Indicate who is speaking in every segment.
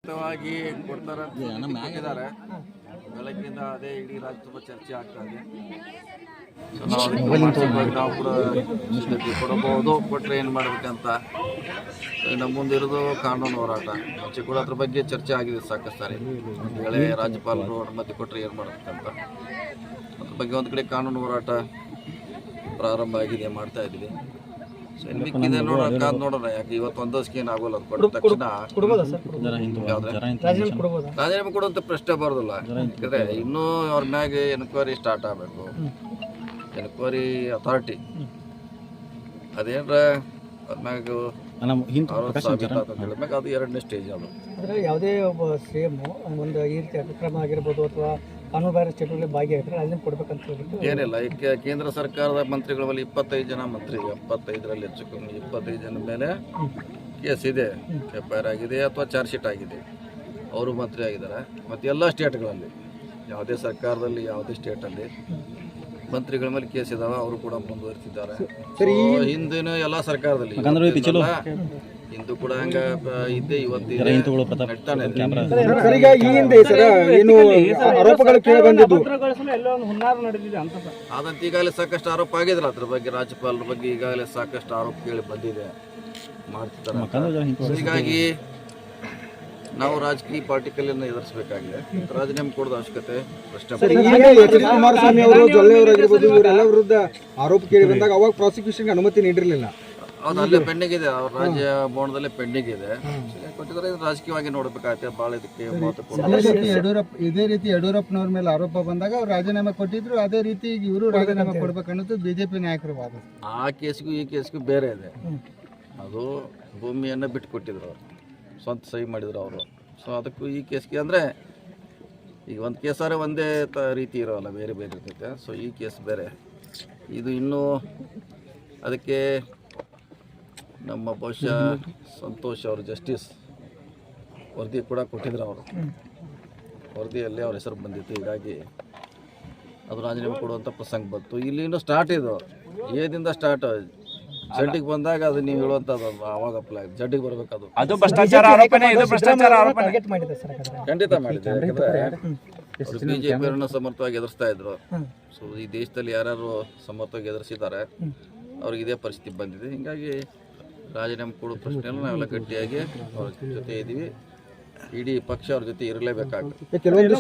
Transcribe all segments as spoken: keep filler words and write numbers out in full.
Speaker 1: ಖಚಿತವಾಗಿ ಕೊಡ್ತಾರೆ ಕೊಟ್ಟಿದ್ದಾರೆ. ಬೆಳಗ್ಗಿಂದ ಅದೇ ಇಡೀ ರಾಜ್ಯ ತುಂಬ ಚರ್ಚೆ ಆಗ್ತಾ ಇದೆ. ಸೊ ನಾವು ಅದಕ್ಕೆ ಮಾನಸಿಕವಾಗಿ ನಾವು ಕೂಡ ಸಿದ್ಧತೆ ಕೊಡಬಹುದು, ಕೊಟ್ಟರೆ ಏನು ಮಾಡಬೇಕಂತ. ನಮ್ಮ ಮುಂದಿರೋದು ಕಾನೂನು ಹೋರಾಟ. ಮುಂಚೆ ಕೂಡ ಅದ್ರ ಬಗ್ಗೆ ಚರ್ಚೆ ಆಗಿದೆ ಸಾಕಷ್ಟು ಸಾರಿ. ಒಂದು ವೇಳೆ ರಾಜ್ಯಪಾಲರು ಅನುಮತಿ ಕೊಟ್ಟರೆ ಏನು ಮಾಡಬೇಕಂತ ಅದ್ರ ಬಗ್ಗೆ ಒಂದು ಕಡೆ ಕಾನೂನು ಹೋರಾಟ ಪ್ರಾರಂಭ ಆಗಿದೆ, ಮಾಡ್ತಾ ಇದ್ದೀವಿ. ಸೊ ಇನ್ನು ಮಿಕ್ಕಿದೆ ನೋಡೋಣ, ಕಾದು ನೋಡೋಣ. ಯಾಕೆ ಇವತ್ತು ಒಂದಷ್ಟು ಏನು ಆಗೋಲ್ಲ, ಅದು ಕೊಟ್ಟ ತಕ್ಷಣ ರಾಜೀನಾಮೆ ಕೊಡುವಂಥ ಪ್ರಶ್ನೆ ಬರೋದಿಲ್ಲ. ಯಾಕಂದರೆ ಇನ್ನೂ ಅವ್ರ ಮ್ಯಾಗೆ ಎನ್ಕ್ವೈರಿ ಸ್ಟಾರ್ಟ್ ಆಗಬೇಕು. ಎನ್ಕ್ವೈರಿ ಅಥಾರಿಟಿ ಅದೇನ್ರ ಅವ್ರ ಮ್ಯಾಗ ಹೇಳಿದ್ಮ್ಯಾಗ ಅದು ಎರಡನೇ ಸ್ಟೇಜ್. ಅದು
Speaker 2: ಅಂದರೆ ಯಾವುದೇ ಒಬ್ಬ ಸಿ ಎಮ್ ಒಂದು ಈ ರೀತಿ ಅತಿಕ್ರಮ ಆಗಿರ್ಬೋದು ಅಥವಾ ಕಾನೂನು ಬಾಹಿರ ಚಟುವಟಿಕೆ ಭಾಗಿಯಾಗಿದ್ರೆ ರಾಜೀನಾಮೆ ಕೊಡ್ಬೇಕಂತ ಹೇಳ್ಬಿಟ್ಟು
Speaker 1: ಏನಿಲ್ಲ. ಈಗ ಕೇಂದ್ರ ಸರ್ಕಾರದ ಮಂತ್ರಿಗಳ ಮೇಲೆ ಇಪ್ಪತ್ತೈದು ಜನ ಮಂತ್ರಿ, ಎಪ್ಪತ್ತೈದರಲ್ಲಿ ಹೆಚ್ಚು ಕಮ್ಮಿ ಇಪ್ಪತ್ತೈದು ಜನ ಮೇಲೆ ಕೇಸ್ ಇದೆ, ಎಫ್ ಐ ಆರ್ ಆಗಿದೆ ಅಥವಾ ಚಾರ್ಜ್ ಶೀಟ್ ಆಗಿದೆ. ಅವರು ಮಂತ್ರಿ ಆಗಿದ್ದಾರೆ. ಮತ್ತು ಎಲ್ಲ ಸ್ಟೇಟ್ಗಳಲ್ಲಿ, ಯಾವುದೇ ಸರ್ಕಾರದಲ್ಲಿ ಯಾವುದೇ ಸ್ಟೇಟಲ್ಲಿ ಮಂತ್ರಿಗಳ ಮೇಲೆ ಕೇಸ್ ಇದಾವೆ, ಅವರು ಕೂಡ ಮುಂದುವರಿಸಿದ್ದಾರೆ. ಹಿಂದಿನ ಎಲ್ಲ ಸರ್ಕಾರದಲ್ಲಿ ಹಿಂದೂ ಕೂಡ ಹಂಗ ಇದ್ದೇ ಇವತ್ತು ನಡ್ತಾನೆ. ಆದಂತ ಈಗಾಗಲೇ ಸಾಕಷ್ಟು ಆರೋಪ ಆಗಿದ್ರೆ ಅದ್ರ ಬಗ್ಗೆ, ರಾಜ್ಯಪಾಲರ ಬಗ್ಗೆ ಈಗಾಗಲೇ ಸಾಕಷ್ಟು ಆರೋಪ ಕೇಳಿ ಬಂದಿದೆ, ಮಾಡ್ತಿದ್ದಾರೆ. ಹೀಗಾಗಿ ನಾವು ರಾಜಕೀಯ ಪಾರ್ಟಿಕಲನ್ನು ಎದುರಿಸಬೇಕಾಗಿದೆ. ರಾಜೀನಾಮೆ ಕೊಡೋದು ಅವಶ್ಯಕತೆ ಪ್ರಶ್ನೆ.
Speaker 2: ಕುಮಾರಸ್ವಾಮಿ ಅವರು ಜೊಲ್ಲೆಯವರಾಗಿರ್ಬೋದು ಇವರೆಲ್ಲ ವಿರುದ್ಧ ಆರೋಪ ಕೇಳಿ ಬಂದಾಗ ಅವಾಗ ಪ್ರಾಸಿಕ್ಯೂಷನ್ಗೆ ಅನುಮತಿ ನೀಡಿರಲಿಲ್ಲ.
Speaker 1: ಹೌದು, ಅಲ್ಲೇ ಪೆಂಡಿಂಗ್ ಇದೆ, ಅವ್ರ ರಾಜ್ಯ ಭವನದಲ್ಲೇ ಪೆಂಡಿಂಗ್ ಇದೆ. ಕೊಟ್ಟಿದ್ದಾರೆ, ರಾಜಕೀಯವಾಗಿ ನೋಡಬೇಕಾಗುತ್ತೆ. ಭಾಳ ಇದಕ್ಕೆ
Speaker 3: ಯಡಿಯೂರಪ್ಪ ಇದೇ ರೀತಿ ಯಡಿಯೂರಪ್ಪನವ್ರ ಮೇಲೆ ಆರೋಪ ಬಂದಾಗ ಅವ್ರು ರಾಜೀನಾಮೆ ಕೊಟ್ಟಿದ್ರು, ಅದೇ ರೀತಿ ಇವರು ರಾಜೀನಾಮೆ ಕೊಡ್ಬೇಕನ್ನೋದು ಬಿಜೆಪಿ ನಾಯಕರ ವಾದ.
Speaker 1: ಆ ಕೇಸ್ಗೂ ಈ ಕೇಸ್ಗೂ ಬೇರೆ ಇದೆ. ಅದು ಭೂಮಿಯನ್ನು ಬಿಟ್ಟು ಕೊಟ್ಟಿದ್ರು, ಅವರು ಸ್ವಂತ ಸಹಿ ಮಾಡಿದ್ರು ಅವರು. ಸೊ ಅದಕ್ಕೂ ಈ ಕೇಸ್ಗೆ ಅಂದರೆ ಈಗ ಒಂದು ಕೇಸಾರೆ ಒಂದೇ ತ ರೀತಿ ಇರೋಲ್ಲ, ಬೇರೆ ಬೇರೆ ಇರ್ತೈತೆ. ಸೊ ಈ ಕೇಸ್ ಬೇರೆ, ಇದು ಇನ್ನೂ ಅದಕ್ಕೆ ನಮ್ಮ ಬಹುಶಃ ಸಂತೋಷ್ ಅವರು ಜಸ್ಟಿಸ್ ವರದಿ ಕೂಡ ಕೊಟ್ಟಿದ್ರು. ಅವರು ವರದಿಯಲ್ಲಿ ಅವ್ರ ಹೆಸರು ಬಂದಿತ್ತು. ಹೀಗಾಗಿ ಅದು ರಾಜೀನಾಮೆ ಕೊಡುವಂಥ ಪ್ರಸಂಗ ಬಂತು. ಇಲ್ಲಿ ಇನ್ನೂ ಸ್ಟಾರ್ಟ್ ಇದು, ಏದಿಂದ ಸ್ಟಾರ್ಟ್. ಜಡ್ಡಿಗೆ ಬಂದಾಗ ಅದು ನೀವು ಹೇಳುವಂಥದ್ದು ಅವಾಗ ಅಪ್ಲೈ ಜಡ್ಡಿಗೆ ಬರಬೇಕದು.
Speaker 4: ಅದು ಭ್ರಷ್ಟಾಚಾರ ಆರೋಪನೆ, ಇದು ಭ್ರಷ್ಟಾಚಾರ ಆರೋಪನೆ
Speaker 1: ಖಂಡಿತ ಮಾಡಿದೆ. ಯಾಕಂದರೆ ಅವರು ಬಿ ಜೆ ಪಿಯವರನ್ನು ಸಮರ್ಥವಾಗಿ ಎದುರಿಸ್ತಾ ಇದ್ರು. ಸೊ ಈ ದೇಶದಲ್ಲಿ ಯಾರ್ಯಾರು ಸಮರ್ಥವಾಗಿ ಎದುರಿಸಿದ್ದಾರೆ ಅವ್ರಿಗೆ ಇದೇ ಪರಿಸ್ಥಿತಿ ಬಂದಿದೆ. ಹೀಗಾಗಿ ರಾಜೀನಾಮೆ ಕೊಡೋ ಪ್ರಶ್ನೆಯಲ್ಲಿ ನಾವೆಲ್ಲ ಗಟ್ಟಿಯಾಗಿ ಅವ್ರ ಜೊತೆ ಇದ್ದೀವಿ. ಇಡೀ ಪಕ್ಷ ಅವ್ರ ಜೊತೆ ಇರಲೇಬೇಕಾಗುತ್ತೆ.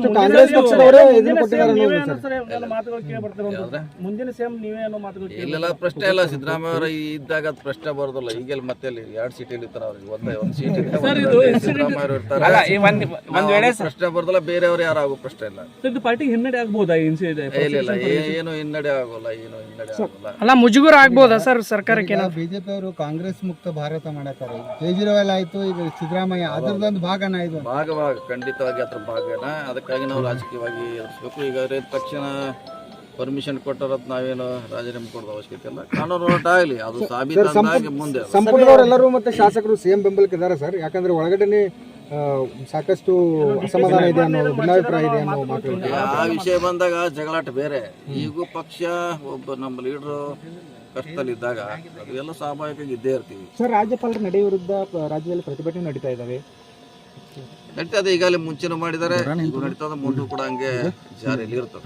Speaker 1: ಇಲ್ಲೆಲ್ಲ ಪ್ರಶ್ನೆ ಇಲ್ಲ, ಸಿದ್ದರಾಮಯ್ಯ ಅವರ ಇದ್ದಾಗ ಅದು ಪ್ರಶ್ನೆ ಬರೋದಿಲ್ಲ. ಈಗೆಲ್ಲ ಮತ್ತೆ ಎರಡು ಸೀಟಲ್ಲಿ ಇರ್ತಾರೆ, ಅವ್ರಿಗೆ ಒಂದೇ ಒಂದು ಸೀಟ್ ಇದೆ, ಸಿದ್ದರಾಮಯ್ಯ ಅವರು ಇರ್ತಾರೆ, ಪ್ರಶ್ನೆ ಬರೋದಿಲ್ಲ. ಬೇರೆಯವರು ಯಾರು ಆಗೋ ಪ್ರಶ್ನೆ ಇಲ್ಲ.
Speaker 2: ಪಾರ್ಟಿಗೆ ಹಿನ್ನಡೆ ಆಗ್ಬೋದಾ?
Speaker 1: ಇಲ್ಲ, ಏನು ಹಿನ್ನಡೆ ಆಗೋಲ್ಲ, ಏನು ಹಿನ್ನಡೆ ಆಗೋಲ್ಲ.
Speaker 2: ಅಲ್ಲ, ಮುಜುಗರ ಆಗ್ಬೋದಾ ಸರ್ ಸರ್ಕಾರಕ್ಕೆ?
Speaker 3: ಬಿಜೆಪಿ ಅವರು ಕಾಂಗ್ರೆಸ್ ಮುಕ್ತ ಭಾರತ ಮಾಡತಾರೆ. ಕೇಜ್ರಿವಾಲ್ ಆಯ್ತು, ಈಗ ಸಿದ್ದರಾಮಯ್ಯ ಅದರದೊಂದು ಭಾಗನ ಇದು
Speaker 1: ಭಾಗವಾಗ ಖಂಡಿತವಾಗಿ ಅದ್ರ ಭಾಗನ. ಅದಕ್ಕಾಗಿ ನಾವು ರಾಜಕೀಯವಾಗಿ ಎದುರಿಸ್ಬೇಕು. ಈಗ ತಕ್ಷಣ ಪರ್ಮಿಷನ್ ಕೊಟ್ಟರತ್ ನಾವೇನು ರಾಜೀನಾಮೆ ಕೊಡೋದು ಅವಶ್ಯಕತೆ ಇಲ್ಲ. ಕಾನೂನು ಹೋರಾಟ ಆಗಲಿ, ಅದು ಸಾಬೀತಾಗಿ ಮುಂದೆ.
Speaker 3: ಸಂಪುಟದವರೆಲ್ಲರೂ ಮತ್ತೆ ಶಾಸಕರು ಸಿಎಂ ಬೆಂಬಲಕ್ಕೆ ಇದ್ದಾರೆ ಸರ್. ಯಾಕಂದ್ರೆ ಒಳಗಡೆ ಸಾಕಷ್ಟು ಅಸಮಾಧಾನ ಇದೆ ಅನ್ನೋ ಭಿನ್ನಾಭಿಪ್ರಾಯ ಇದೆ ಅನ್ನೋ ಮಾತು.
Speaker 1: ಆ ವಿಷಯ ಬಂದಾಗ ಜಗಳಾಟ ಬೇರೆ. ಈಗೂ ಪಕ್ಷ ಒಬ್ಬ ನಮ್ಮ ಲೀಡರು ಕಷ್ಟದಲ್ಲಿದ್ದಾಗ ಅದು ಎಲ್ಲ ಸ್ವಾಭಾವಿಕವಾಗಿ ಇದ್ದೇ ಇರ್ತೀವಿ.
Speaker 2: ಸರ್, ರಾಜ್ಯಪಾಲರ ನಡೆ ವಿರುದ್ಧ ರಾಜ್ಯದಲ್ಲಿ ಪ್ರತಿಭಟನೆ ನಡೀತಾ ಇದ್ದಾವೆ.
Speaker 1: ನಡೀತದೆ, ಈಗಾಗಲೇ ಮುಂಚೆನೂ ಮಾಡಿದ್ದಾರೆ, ಈಗ ನಡೀತದೆ, ಮುಂದೂ ಕೂಡ ಹಂಗೆ ಜಾರಿಯಲ್ಲಿ ಇರ್ತದೆ.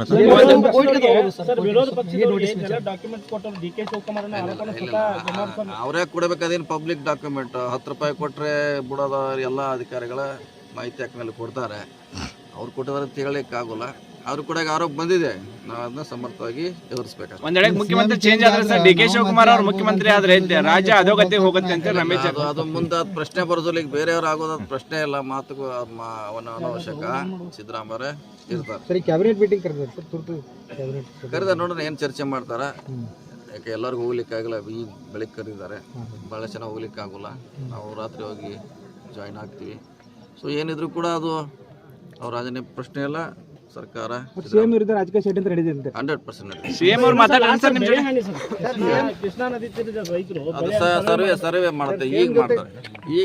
Speaker 1: ಅವರೇ ಕೊಡಬೇಕು, ಅದೇನು ಪಬ್ಲಿಕ್ ಡಾಕ್ಯುಮೆಂಟ್. ಹತ್ತು ರೂಪಾಯಿ ಕೊಟ್ಟರೆ ಬಿಡೋದ ಎಲ್ಲ ಅಧಿಕಾರಿಗಳ ಮಾಹಿತಿ ಹಾಕ ಮೇಲೆ ಕೊಡ್ತಾರೆ. ಅವ್ರು ಕೊಟ್ಟಿದ್ದಾರೆ ಅಂತ ಹೇಳಲಿಕ್ಕೆ ಆಗೋಲ್ಲ. ಅವ್ರು ಕೂಡ ಆರೋಪ ಬಂದಿದೆ, ನಾವು ಅದನ್ನ ಸಮರ್ಥವಾಗಿ ಎದುರಿಸಬೇಕು.
Speaker 4: ಒಂದ್ ವೇಳೆ ಮುಖ್ಯಮಂತ್ರಿ ಚೇಂಜ್ ಆದ್ರೆ ಸರ್, ಡಿ ಕೆ ಶಿವಕುಮಾರ್ ಅವರು ಮುಖ್ಯಮಂತ್ರಿ ಆದ್ರೆ ರಾಜ್ಯ ಅಧೋಗತಿ ಹೋಗುತ್ತೆ ಅಂತ ರಮೇಶ್.
Speaker 1: ಅದು ಮುಂದೆ ಅದು ಪ್ರಶ್ನೆ ಬರೋದಿಲ್ಲ. ಈಗ ಬೇರೆಯವ್ರು ಆಗೋದು ಪ್ರಶ್ನೆ ಇಲ್ಲ, ಮಾತುಗೂ ಅವನ ಅನಾವಶ್ಯಕ. ಸಿದ್ದರಾಮಯ್ಯ ಇರ್ತಾರೆ.
Speaker 3: ಸರಿ, ಕ್ಯಾಬಿನೆಟ್ ಮೀಟಿಂಗ್ ಕರೆದ ಸರ್, ತುರ್ತು
Speaker 1: ಕರೆದ ನೋಡೋಣ ಏನು ಚರ್ಚೆ ಮಾಡ್ತಾರ. ಯಾಕೆ ಎಲ್ಲರಿಗೂ ಹೋಗ್ಲಿಕ್ಕೆ ಆಗಲ್ಲ, ಈಗ ಬೆಳಿಗ್ಗೆ ಕರೆದಿದ್ದಾರೆ, ಭಾಳ ಚೆನ್ನಾಗಿ ಹೋಗ್ಲಿಕ್ಕೆ ಆಗೋಲ್ಲ. ನಾವು ರಾತ್ರಿ ಹೋಗಿ ಜಾಯಿನ್ ಆಗ್ತೀವಿ. ಸೊ ಏನಿದ್ರು ಕೂಡ ಅದು ಅವ್ರ ರಾಜೀನಾಮೆ ಪ್ರಶ್ನೆ ಇಲ್ಲ. ಸರ್ಕಾರ
Speaker 2: ಸಿಎಂ ವಿರುದ್ಧ ರಾಜಕೀಯ ಷಡ್ಯಂತ್ರ ನಡೆದಿದೆ.
Speaker 1: ಹಂಡ್ರೆಡ್ ಪರ್ಸೆಂಟ್
Speaker 4: ಸಿಎಂ ಅವ್ರು ಮಾತಾಡ್ತಾರೆ ಸರ್ ನಿಮ್ಮ ಜೊತೆ.
Speaker 2: ಕೃಷ್ಣಾ ನದಿ ತೀರದ ರೈತರು
Speaker 1: ಅದು ಸರ್ವೆ ಸರ್ವೆ ಮಾಡ್ತಾರೆ, ಈಗ ಮಾಡ್ತಾರೆ. ಈಗ